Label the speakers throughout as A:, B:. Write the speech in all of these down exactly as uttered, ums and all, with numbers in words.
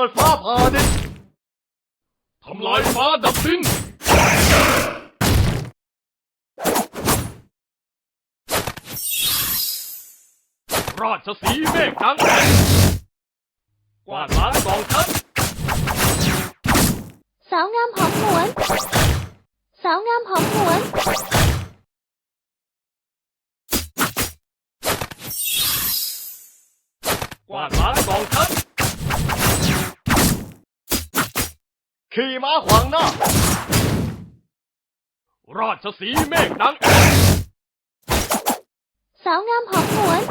A: ดฟ้าผ่าดินทำลายฟ้าดับดินราชสีห์เมฆดังแผ่นกวาดล้างกองทัพ
B: สาวงามหอมหวนสาวงามหอมหวน
A: กวาดล้างกองทัพขี่ม้าขวางหน้าราชสีห์เมฆดังแผ่น
B: สาวงามหอมหวน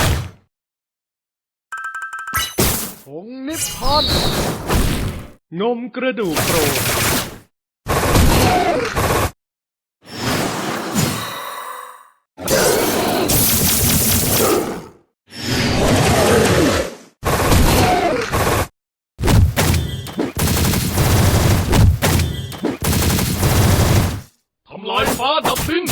A: ผงนิพพานนมกระดูกโปรดทำลายฟ้าดับดิน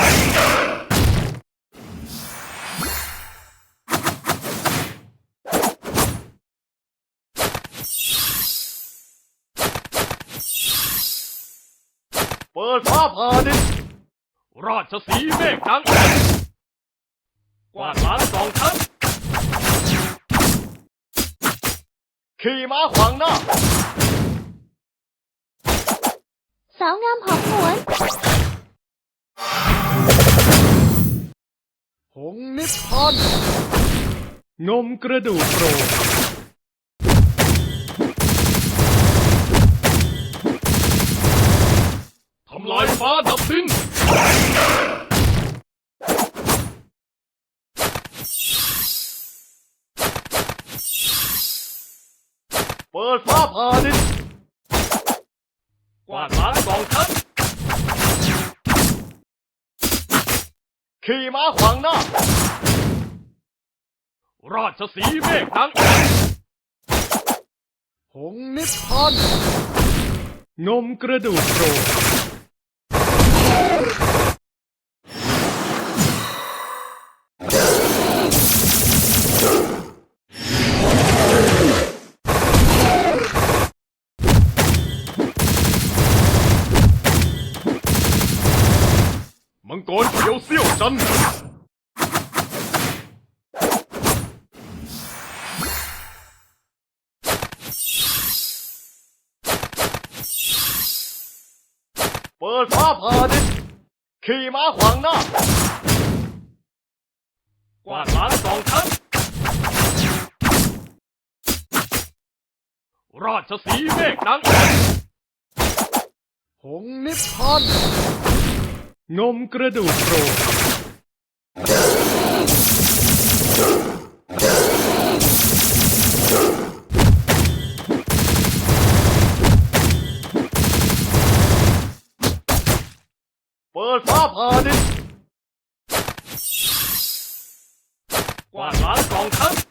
A: เปิดฟ้าผ่าดินราชสีห์เมฆดังแผ่นกวาดล้างกองทัพขี่ม้าขวางหน้า
B: สาวงามหอมหวน
A: ผงนิพพานนมกระดูกโปรดทำลายฟ้าดับดินเปิดฟ้าผ่าดินกวาดล้างกองทัพขี่ม้าขวางหน้าราชสีห์เมฆดังแผ่นผงนิพพานนมกระดูกโปรดมังกรเขียวเสี้ยวจันทร์เปิดฟ้าผ่าดินขี่ม้าขวางหน้ากวาดล้างกองทัพราชสีห์เมฆดังแผ่นผงนิพพานนมกระดูกโปรดเปิดฟ้าผ่าดินกวาดล้างกองทัพ